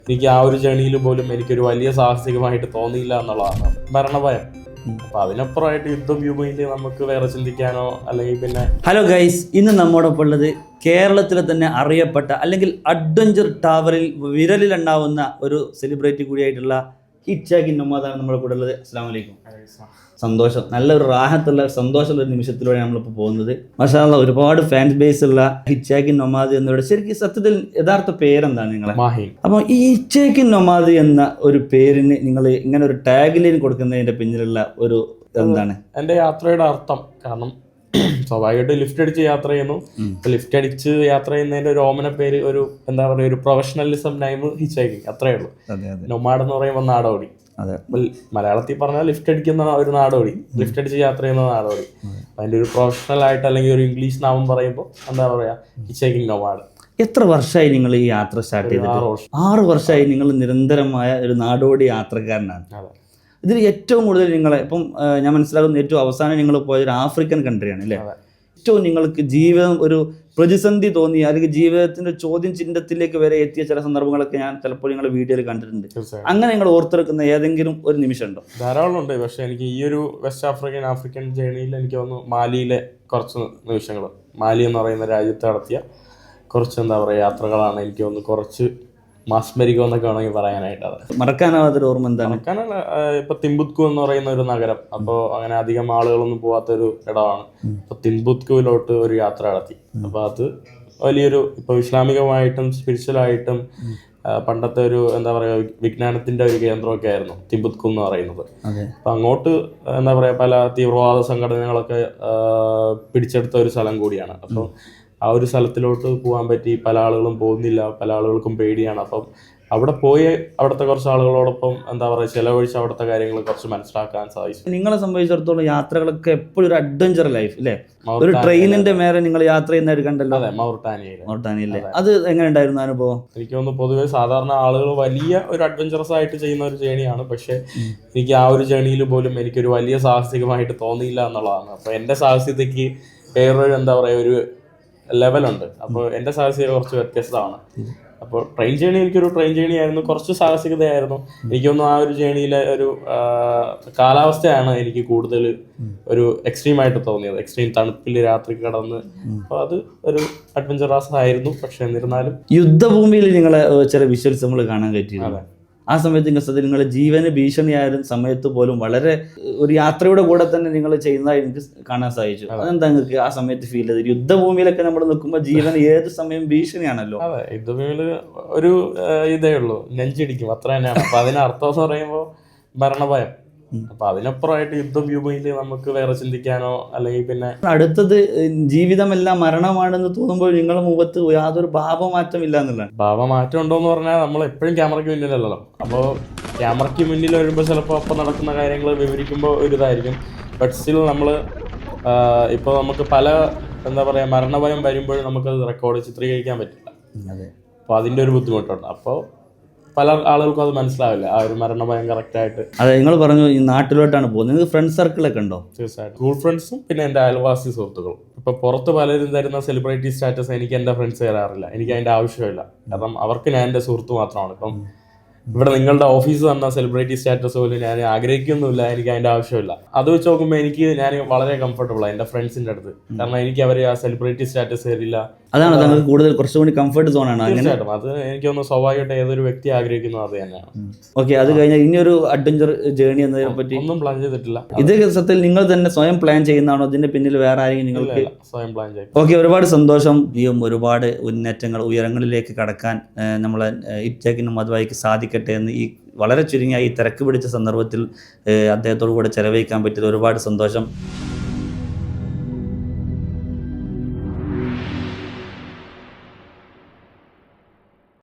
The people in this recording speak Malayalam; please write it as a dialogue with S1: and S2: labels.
S1: എനിക്ക് ആ ഒരു ജേണിയിൽ പോലും എനിക്കൊരു വലിയ സാഹസികമായിട്ട് തോന്നിയില്ല എന്നുള്ളതാണ് മരണഭയം. അപ്പൊ അതിനപ്പുറമായിട്ട് യുദ്ധഭൂമിയിൽ നമുക്ക് വേറെ ചിന്തിക്കാനോ അല്ലെങ്കിൽ പിന്നെ.
S2: ഹലോ ഗൈസ്, ഇന്ന് നമ്മോടൊപ്പം ഉള്ളത് കേരളത്തിലെ തന്നെ അറിയപ്പെട്ട അല്ലെങ്കിൽ അഡ്വഞ്ചർ ടവറിൽ വിരലിലുണ്ടാവുന്ന ഒരു സെലിബ്രിറ്റി കൂടിയായിട്ടുള്ള ഹിറ്റ്ചാക്കിൻ നൊമാദാണ് നമ്മുടെ കൂടെ ഉള്ളത്. അസ്സലാമു അലൈക്കും. സന്തോഷം, നല്ലൊരു റാഹത്തുള്ള സന്തോഷമുള്ള ഒരു നിമിഷത്തിലൂടെ നമ്മളിപ്പോൾ പോകുന്നത്. മാഷാ അല്ലാഹ്, ഒരുപാട് ഫാൻ ബേസ് ഉള്ള ഹിറ്റ്ചാക്കിൻ നൊമാദ് എന്നവരുടെ ശരിക്കും സത്യത്തിൽ യഥാർത്ഥ പേരെന്താണ് നിങ്ങളെ?
S1: മാഹി.
S2: അപ്പോൾ ഈ ഹിറ്റ്ചാക്കിൻ നൊമാദ് എന്ന ഒരു പേരിന് നിങ്ങൾ ഇങ്ങനെ ഒരു ടാഗ് ലൈൻ കൊടുക്കുന്നതിന്റെ പിന്നിലുള്ള ഒരു എന്താണ്?
S1: എൻ്റെ യാത്രയുടെ അർത്ഥം, കാരണം സ്വാഭാവികമായിട്ട് ലിഫ്റ്റ് അടിച്ച് യാത്ര ചെയ്യുന്നു. ലിഫ്റ്റ് അടിച്ച് യാത്ര ചെയ്യുന്നതിന്റെ ഒരു ഓമന പേര്, ഒരു എന്താ പറയുക, ഒരു പ്രൊഫഷണലിസം നൈം ഹിറ്റ്ചാക്കിങ്, അത്രേ ഉള്ളൂ. നൊമാഡ് എന്ന് പറയുമ്പോൾ നാടോടി. മലയാളത്തിൽ പറഞ്ഞാൽ ലിഫ്റ്റ് അടിക്കുന്ന ഒരു നാടോടി, ലിഫ്റ്റ് അടിച്ച് യാത്ര ചെയ്യുന്ന നാടോടി. അതിന്റെ ഒരു പ്രൊഫഷണൽ ആയിട്ട് അല്ലെങ്കിൽ ഒരു ഇംഗ്ലീഷ് നാമം പറയുമ്പോൾ എന്താ പറയാ, ഹിറ്റ്ചാക്കിങ് നൊമാഡ്.
S2: എത്ര വർഷമായി നിങ്ങൾ ഈ യാത്ര സ്റ്റാർട്ട് ചെയ്തിട്ട്? 6 വർഷമായി നിങ്ങൾ നിരന്തരമായ ഒരു നാടോടി യാത്രക്കാരനാണ്. ഇതിൽ ഏറ്റവും കൂടുതൽ നിങ്ങളെ ഇപ്പം ഞാൻ മനസ്സിലാക്കുന്ന ഏറ്റവും അവസാനം നിങ്ങൾ പോയൊരു ആഫ്രിക്കൻ കൺട്രിയാണ് അല്ലേ? ഏറ്റവും നിങ്ങൾക്ക് ജീവിതം ഒരു പ്രതിസന്ധി തോന്നിയ അല്ലെങ്കിൽ ജീവിതത്തിന്റെ ചോദ്യം ചിഹ്നത്തിലേക്ക് വരെ എത്തിയ ചില സന്ദർഭങ്ങളൊക്കെ ഞാൻ ചിലപ്പോൾ നിങ്ങളുടെ വീഡിയോയിൽ കണ്ടിട്ടുണ്ട്. അങ്ങനെ നിങ്ങൾ ഓർത്തെടുക്കുന്ന ഏതെങ്കിലും ഒരു നിമിഷം ഉണ്ടോ?
S1: ധാരാളം ഉണ്ട്. പക്ഷെ എനിക്ക് ഈ ഒരു വെസ്റ്റ് ആഫ്രിക്കൻ ജേണിയിൽ എനിക്ക് തോന്നുന്നു മാലിയിലെ കുറച്ച് നിമിഷങ്ങൾ, മാലി എന്ന് പറയുന്ന രാജ്യത്ത് നടത്തിയ കുറച്ച് എന്താ പറയുക യാത്രകളാണ് എനിക്ക് തോന്നുന്നു കുറച്ച് മാസ്മരികം എന്നൊക്കെ വേണമെങ്കിൽ പറയാനായിട്ട്. അത്
S2: മറക്കാനാവാത്തൊരു ഓർമ്മ എന്താണ്?
S1: മറക്കാനുള്ള ഇപ്പൊ തിംബുത്കു എന്ന് പറയുന്ന ഒരു നഗരം, അപ്പോൾ അങ്ങനെ അധികം ആളുകളൊന്നും പോവാത്തൊരു ഇടമാണ്. അപ്പൊ തിംബുത്കുവിലോട്ട് ഒരു യാത്ര നടത്തി. അപ്പൊ അത് വലിയൊരു ഇപ്പൊ ഇസ്ലാമികമായിട്ടും സ്പിരിച്വലായിട്ടും പണ്ടത്തെ ഒരു എന്താ പറയുക വിജ്ഞാനത്തിന്റെ ഒരു കേന്ദ്രമൊക്കെ ആയിരുന്നു തിംബുത്കു എന്ന് പറയുന്നത്. അപ്പൊ അങ്ങോട്ട് എന്താ പറയാ പല തീവ്രവാദ സംഘടനകളൊക്കെ പിടിച്ചെടുത്ത ഒരു സ്ഥലം കൂടിയാണ്. അപ്പം ആ ഒരു സ്ഥലത്തിലോട്ട് പോകാൻ പറ്റി. പല ആളുകളും പോകുന്നില്ല, പല ആളുകൾക്കും പേടിയാണ്. അപ്പം അവിടെ പോയി അവിടുത്തെ കുറച്ച് ആളുകളോടൊപ്പം എന്താ പറയുക ചിലവഴിച്ച് അവിടുത്തെ കാര്യങ്ങൾ കുറച്ച് മനസ്സിലാക്കാൻ സാധിച്ചു.
S2: നിങ്ങളെ സംബന്ധിച്ചിടത്തോളം യാത്രകളൊക്കെ എപ്പോഴും ഒരു അഡ്വഞ്ചർ ലൈഫ് അല്ലേ? ഒരു ട്രെയിനിന്റെ മേലെ നിങ്ങൾ യാത്ര ചെയ്യുന്നവർ കണ്ടല്ലോ.
S1: അതെ, മൗറിട്ടാനിയയിലെ.
S2: അത് എങ്ങനെ ഉണ്ടായിരുന്നു അനുഭവം?
S1: എനിക്ക് തോന്നുന്നു പൊതുവെ സാധാരണ ആളുകൾ വലിയ ഒരു അഡ്വഞ്ചറസ് ആയിട്ട് ചെയ്യുന്ന ഒരു ജേണിയാണ്. പക്ഷെ എനിക്ക് ആ ഒരു ജേണിയിൽ പോലും എനിക്കൊരു വലിയ സാഹസികമായിട്ട് തോന്നിയില്ല എന്നുള്ളതാണ്. അപ്പൊ എൻ്റെ സാഹസികതയ്ക്ക് വേറൊരു എന്താ പറയുക ഒരു ലെവലുണ്ട്. അപ്പോൾ എൻ്റെ സാഹസികത കുറച്ച് വ്യത്യസ്തമാണ്. അപ്പോൾ ട്രെയിൻ ജേണി എനിക്കൊരു ട്രെയിൻ ജേണി ആയിരുന്നു, കുറച്ച് സാഹസികതയായിരുന്നു. എനിക്കൊന്നും ആ ഒരു ജേണിയിലെ ഒരു കാലാവസ്ഥയാണ് എനിക്ക് കൂടുതൽ ഒരു എക്സ്ട്രീമായിട്ട് തോന്നിയത്. എക്സ്ട്രീം തണുപ്പിൽ രാത്രി കിടന്ന്, അപ്പോൾ അത് ഒരു അഡ്വഞ്ചറസ് ആയിരുന്നു. പക്ഷെ എന്നിരുന്നാലും
S2: യുദ്ധഭൂമിയിൽ നിങ്ങളെ ചില വിഷ്വൽസ് നമ്മൾ കാണാൻ പറ്റിയിരുന്നു. ആ സമയത്ത് നിങ്ങളുടെ ജീവന് ഭീഷണിയായിരുന്ന സമയത്ത് പോലും വളരെ ഒരു യാത്രയുടെ കൂടെ തന്നെ നിങ്ങൾ ചെയ്യുന്നതായി എനിക്ക് കാണാൻ സാധിച്ചു. അതെന്താ നിങ്ങൾക്ക് ആ സമയത്ത് ഫീൽ ചെയ്തത്? യുദ്ധഭൂമിയിലൊക്കെ നമ്മൾ നിൽക്കുമ്പോൾ ജീവൻ ഏത് സമയം ഭീഷണിയാണല്ലോ.
S1: അതെ, യുദ്ധഭൂമിയിൽ ഒരു ഇതേ ഉള്ളൂ, നെഞ്ചിടിക്കും, അത്ര തന്നെയാണ്. അപ്പൊ അതിനർത്ഥം എന്ന് പറയുമ്പോൾ മരണഭയം. അപ്പൊ അതിനപ്പുറമായിട്ട് യുദ്ധഭൂമിയിൽ നമുക്ക് വേറെ ചിന്തിക്കാനോ അല്ലെങ്കിൽ പിന്നെ.
S2: അടുത്തത് ജീവിതമെല്ലാം മരണമാണെന്ന് തോന്നുമ്പോൾ നിങ്ങളുടെ മുഖത്ത് യാതൊരു ഭാവമാറ്റം ഇല്ല എന്നുള്ളതാണ്.
S1: ഭാവമാറ്റം ഉണ്ടോന്ന് പറഞ്ഞാൽ നമ്മൾ എപ്പോഴും ക്യാമറയ്ക്ക് മുന്നിലല്ലോ. അപ്പോൾ ക്യാമറയ്ക്ക് മുന്നിൽ വരുമ്പോൾ ചിലപ്പോൾ അപ്പം നടക്കുന്ന കാര്യങ്ങൾ വിവരിക്കുമ്പോൾ ഒരു ഇതായിരിക്കും. ബട്ട് സ്റ്റിൽ നമ്മൾ ഇപ്പോൾ നമുക്ക് പല എന്താ പറയുക മരണഭയം വരുമ്പോഴും നമുക്കത് റെക്കോർഡ് ചിത്രീകരിക്കാൻ പറ്റില്ല. അപ്പോൾ അതിൻ്റെ ഒരു ബുദ്ധിമുട്ടുണ്ട്. അപ്പോൾ പല ആളുകൾക്കും അത് മനസ്സിലാവില്ല, ആ ഒരു മരണഭയം കറക്റ്റായിട്ട്.
S2: അതെ, നിങ്ങൾ പറഞ്ഞു ഈ നാട്ടിലോട്ടാണ് പോകുന്നത്. നിങ്ങൾക്ക് ഫ്രണ്ട് സർക്കിളൊക്കെ ഉണ്ടോ?
S1: തീർച്ചയായിട്ടും, സ്കൂൾ ഫ്രണ്ട്സും പിന്നെ എൻ്റെ അയൽവാസി സുഹൃത്തുക്കളും. ഇപ്പൊ പുറത്ത് പലരും തരുന്ന സെലിബ്രിറ്റി സ്റ്റാറ്റസ് എനിക്ക് എൻ്റെ ഫ്രണ്ട്സ് തരാറില്ല. എനിക്ക് അതിൻ്റെ ആവശ്യമില്ല. കാരണം അവർക്ക് ഞാൻ എൻ്റെ സുഹൃത്ത് മാത്രമാണ്. ഇപ്പം ഇവിടെ നിങ്ങളുടെ ഓഫീസ് തന്ന സെലിബ്രിറ്റി സ്റ്റാറ്റസ് പോലും ഞാൻ ആഗ്രഹിക്കുന്നില്ല, എനിക്ക് അതിൻ്റെ ആവശ്യമില്ല. അത് വെച്ച് നോക്കുമ്പോൾ ഞാൻ വളരെ കംഫർട്ടബിളാണ് എൻ്റെ ഫ്രണ്ട്സിൻ്റെ അടുത്ത്. കാരണം എനിക്ക് അവർ ആ സെലിബ്രിറ്റി സ്റ്റാറ്റസ് തരില്ല.
S2: അതാണ് നിങ്ങൾക്ക് കൂടുതൽ കുറച്ചുകൂടി കംഫർട്ട് സോണാണ്.
S1: തീർച്ചയായിട്ടും, അത് എനിക്കൊന്ന് സ്വാഭാവികമായിട്ട് ഏതൊരു വ്യക്തി ആഗ്രഹിക്കുന്നത് അത് തന്നെയാണ്.
S2: ഓക്കെ, അത് കഴിഞ്ഞാൽ ഇനിയൊരു അഡ്വഞ്ചർ ജേണി എന്നതിനെ പറ്റി
S1: ഒന്നും പ്ലാൻ ചെയ്തിട്ടില്ല.
S2: ഇത് സത്യത്തിൽ നിങ്ങൾ തന്നെ സ്വയം പ്ലാൻ ചെയ്യുന്നതാണോ? ഇതിന്റെ പിന്നിൽ വേറെ ആരെങ്കിലും നിങ്ങൾക്ക്?
S1: സ്വയം പ്ലാൻ ചെയ്യും.
S2: ഓക്കെ, ഒരുപാട് സന്തോഷം. ഒരുപാട് ഉന്നേറ്റങ്ങൾ ഉയരങ്ങളിലേക്ക് കടക്കാൻ നമ്മളെ ഹിറ്റ്ചാക്കിൻ നൊമാദ് സാധിക്കട്ടെ എന്ന് ഈ വളരെ ചുരുങ്ങിയ ഈ തിരക്ക് പിടിച്ച സന്ദർഭത്തിൽ അദ്ദേഹത്തോടു കൂടെ ചെലവഴിക്കാൻ പറ്റിയത് ഒരുപാട് സന്തോഷം.